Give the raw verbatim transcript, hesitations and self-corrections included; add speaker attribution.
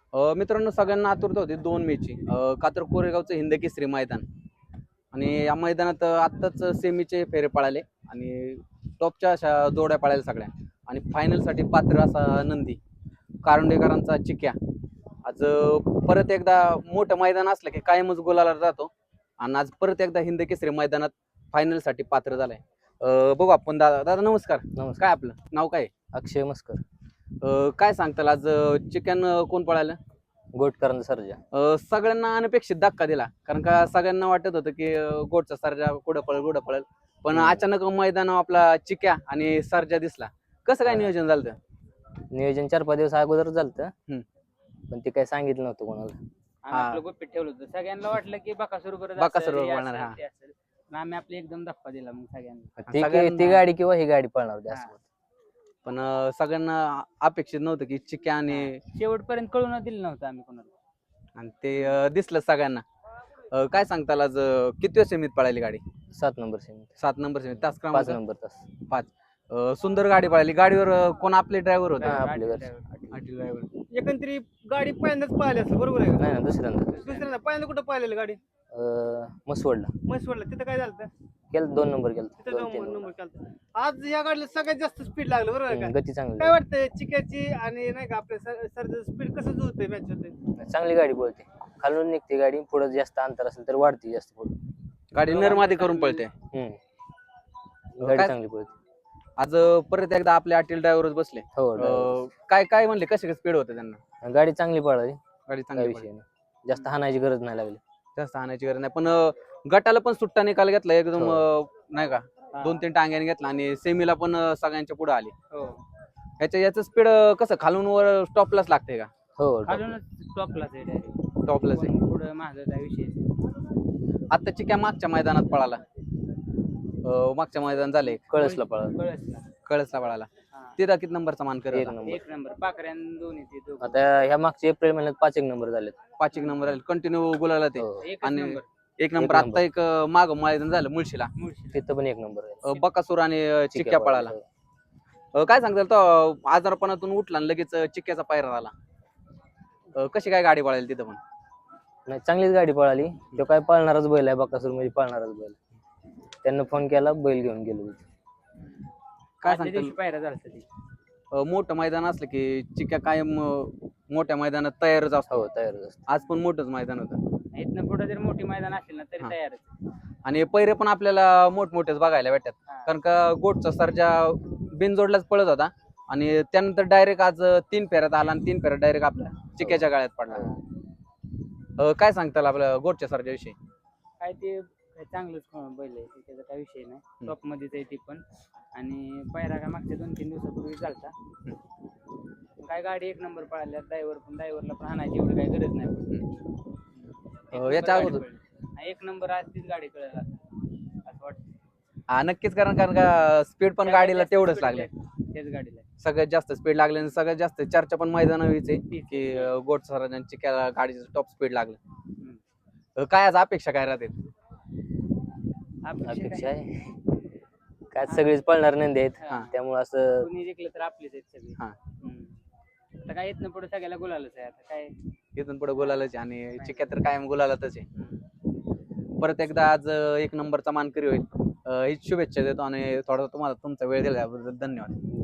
Speaker 1: अ, मित्रांनो सगळ्यांना आतुरता होती दोन मेची अ, कातर कोरेगावचं हिंद केसरी मैदान आणि या मैदानात आत्ताच सेमीचे फेरे पळाले आणि टॉपच्या अशा जोड्या पळाल्या सगळ्या आणि फायनलसाठी पात्र असा नंदी कारंडेकरांचा चिक्या आज अ, परत एकदा मोठं मैदान असलं की कायमच गुलाला जातो आणि आज परत एकदा हिंद केसरी मैदानात फायनलसाठी पात्र झालाय. अ, बघू आपण दादा दादा नमस्कार.
Speaker 2: नमस्कार.
Speaker 1: काय आपलं नाव काय आहे?
Speaker 2: अक्षय मस्कर.
Speaker 1: अ, काय सांगताल आज चिकन कोण पळालं?
Speaker 2: गोटकरांचा सर्जा.
Speaker 1: अ, सगळ्यांना अनपेक्षित धक्का दिला कारण का सगळ्यांना वाटत होतं की अ, गोटचा सर्जा कुठं पळेल कुठं पळेल पण
Speaker 2: हम्म.
Speaker 1: अचानक मैदानावर आपला चिक्या आणि सर्जा दिसला. कसं काय
Speaker 2: हा.
Speaker 1: नियोजन झालं होतं?
Speaker 2: नियोजन चार पाच दिवस अगोदर झालतं.
Speaker 1: हम्म.
Speaker 2: पण ते काही सांगितलं नव्हतं कोणाला.
Speaker 3: आम्ही
Speaker 1: हा.
Speaker 3: आपलं गुपित ठेवलं होतं. सगळ्यांना वाटलं की बकासूर बरोबर
Speaker 1: बकासूर
Speaker 3: असेल, हे
Speaker 1: बरोबर
Speaker 3: असेल,
Speaker 1: हा.
Speaker 3: ते असेल. पण आम्ही आपली एकदम धप्पा दिला मग सगळ्यांना.
Speaker 2: ती
Speaker 1: सगळ्यांना-
Speaker 2: ती गाडी किंवा ही गाडी पळणार होती असं
Speaker 3: हा.
Speaker 2: होतं.
Speaker 1: पण अ, सगळ्यांना अपेक्षित नव्हतं की चिक्या आणि
Speaker 3: शेवटपर्यंत कळून दिलं नव्हतं आम्ही कोणाला.
Speaker 1: आणि ते अ, दिसलं सगळ्यांना. अ, काय सांगताल आज अ, कितव्या सेमीत पळाली गाडी?
Speaker 2: सात नंबर सेमी.
Speaker 1: सात नंबर सेमीत तास
Speaker 2: पाच
Speaker 1: क्रमांक
Speaker 2: नंबर तास.
Speaker 1: पाच. अ, सुंदर गाडी पळाली. गाडीवर अ, कोण आपले ड्रायव्हर होते?
Speaker 2: हा,
Speaker 3: हा,
Speaker 2: आपली
Speaker 3: आठ
Speaker 2: घरची.
Speaker 3: driver.
Speaker 1: आटी ड्रायव्हर.
Speaker 4: एकंदरीत गाडी पहिल्यांदाच पाहिली असेल बरोबर आहे का?
Speaker 2: नाही ना दुसऱ्यांदा.
Speaker 4: दुसऱ्यांदा पहिल्यांदा कुठं पाहिलेलं गाडी
Speaker 2: अं, मसवडला
Speaker 4: म्हैसवडला तिथं काय झालं
Speaker 2: केलं दोन नंबर केलं
Speaker 4: तिथं
Speaker 2: दोन
Speaker 4: जाऊन
Speaker 2: तीन
Speaker 4: नंबर
Speaker 2: नंबर.
Speaker 4: केला आज या गाडीला सगळ्यात जास्त स्पीड लागलं बरोबर आहे
Speaker 2: हम्म,
Speaker 4: का?
Speaker 2: गती चांगली
Speaker 4: काय वाटतंय चिक्याची आणि नाही का आपल्या सर स्पीड कसं जुळतंय मॅच होते
Speaker 2: चांगली गाडी पळते. खालून निघते गाडी पुढे जास्त अंतर असेल तर वाढते जास्त पुढे.
Speaker 1: गाडी नरमादी करून पळते.
Speaker 2: हम्म गाडी
Speaker 1: काय-
Speaker 2: चांगली पळते.
Speaker 1: आज अ, परत एकदा आपले अटील ड्रायव्हरच बसले.
Speaker 2: हो
Speaker 1: अ,
Speaker 2: driver.
Speaker 1: काय काय म्हणले कसे स्पीड होते त्यांना?
Speaker 2: गाडी चांगली पळाली.
Speaker 1: गाडी
Speaker 2: काही
Speaker 1: चांगली
Speaker 2: विषय
Speaker 1: पळाली.
Speaker 2: नाही. जास्त हाणायची गरज नाही लागली.
Speaker 1: जास्त आणायची गरज नाही पण अ, गटाला पण सुट्टा निकाल घेतला एकदम
Speaker 2: हो.
Speaker 1: अ, नाही का
Speaker 3: हा.
Speaker 1: दोन तीन टांग्याने घेतला आणि सेमीला पण अ, सगळ्यांच्या पुढे आली.
Speaker 3: हो.
Speaker 1: ह्याच्या याचं स्पीड कसं खालून वर स्टॉपलाच लागते का?
Speaker 2: हो top.
Speaker 3: खालूनच टॉपलाच आहे direct.
Speaker 1: टॉपलाच आहे.
Speaker 3: पण पुढं माझं काय विषय नाही.
Speaker 1: आता चिक्या मागच्या मैदानात पळाला. अ, मागच्या मैदान झाले
Speaker 2: कळसला पळाला.
Speaker 3: कळसला.
Speaker 1: कळसला पळाला.
Speaker 3: हा.
Speaker 1: तिथं किती नंबरचा मान
Speaker 2: एक
Speaker 1: करत
Speaker 2: नंबर.
Speaker 3: एक नंबर पाकऱ्यान दोन्ही ते दोघं.
Speaker 2: आता ह्या मागच्या एप्रिल महिन्यात पाच एक नंबर झालेत.
Speaker 1: पाच एक नंबर आले कंटिन्यू गुलाला ते
Speaker 2: हो.
Speaker 3: एकच
Speaker 1: आणि
Speaker 3: नंबर.
Speaker 1: एक नंबर
Speaker 2: नंबर.
Speaker 1: आता एक अ, माग मैदान झालं मुळशीला
Speaker 3: मुळशी.
Speaker 2: तिथं पण एक नंबर आहे.
Speaker 1: अ, बकासूर आणि अ, चिक्या पळाला. अ, काय सांगताल तो अ, आजारपणातून उठला आणि लगेच अ, चिक्क्याचा पायरा झाला. अ, कशी काय गाडी पळाली तिथं पण?
Speaker 2: नाही चांगलीच गाडी पळाली. तो काय पळणारच बैल आहे बकासूर म्हणजे पळणारच बैल. त्यांना फोन केला बैल घेऊन गेलो तिथे.
Speaker 1: काय
Speaker 3: आदल्या
Speaker 1: सांगताल
Speaker 3: दिवशी पायरा झालता ती.
Speaker 1: अ, मोठं मैदान असलं की चिक्या कायम अ, मोठ्या मैदानात तयारच असतो.
Speaker 2: हो तयारच असतो.
Speaker 1: आज पण मोठंच मैदान होतं
Speaker 3: इथनं पुढे जर मोठी मैदान असेल ना तरी
Speaker 1: हा.
Speaker 3: तयारच.
Speaker 1: आणि पैरे पण आपल्याला मोठमोठेच बघायला भेटतात
Speaker 3: हा.
Speaker 1: कारण का गोटचा सर्जा बिनजोडलाच पळत होता आणि त्यानंतर डायरेक्ट आज तीन फेऱ्यात आला आणि तीन फेऱ्यात डायरेक्ट आपल्या चिक्याच्या गाळ्यात पडला. अ, काय सांगताल आपल्या गोटच्या सर्जा विषयी?
Speaker 3: काय ते काय चांगलंच बैल आहे ते, त्याचा काय विषय नाही. टॉप मध्येच आहे ती पण. आणि पायरा काय मागच्या दोन तीन दिवसापूर्वी झालता. काय गाडी एक नंबर पळाल्या ड्रायव्हर पण ड्रायव्हरला पण हाणायची एवढी काही गरज नाही पडली.
Speaker 1: अ,
Speaker 3: एक
Speaker 1: याच्या
Speaker 3: नंबर गाडी
Speaker 1: अगोदर
Speaker 3: पळली. एक नंबर आज तीच गाडी कळेल असं वाटतं.
Speaker 1: हा नक्कीच कारण कारण का स्पीड पण गाडीला तेवढंच लागले.
Speaker 3: त्याच गाडीला
Speaker 1: सगळ्यात जास्त स्पीड लागले आणि सगळ्यात जास्त चर्चा पण मैदान आहे की अ, गोट सर्जांची गाडीचं टॉप स्पीड लागलं.
Speaker 3: हम्म.
Speaker 1: अ, काय आज अपेक्षा काय राहते?
Speaker 3: अपेक्षा
Speaker 2: अपेक्षा
Speaker 3: काय?
Speaker 2: आहे काय सगळीच पळणार नंदी आहेत.
Speaker 3: हा.
Speaker 2: त्यामुळे असं
Speaker 3: कोणी जिंकलं तर आपलीच आहेत सगळी.
Speaker 1: हा.
Speaker 3: हम्म. आता काय येत ना पुढे सगळ्याला गुलालच आहे आता काय.
Speaker 1: इथून पुढे गुलालच आहे आणि चिक्या तर कायम गुलालातच आहे. परत एकदा आज अ, एक नंबरचा मानकरी होईल अ, हीच शुभेच्छा देतो आणि थोडा तुम्हाला तुमचा वेळ दिल्याबद्दल धन्यवाद.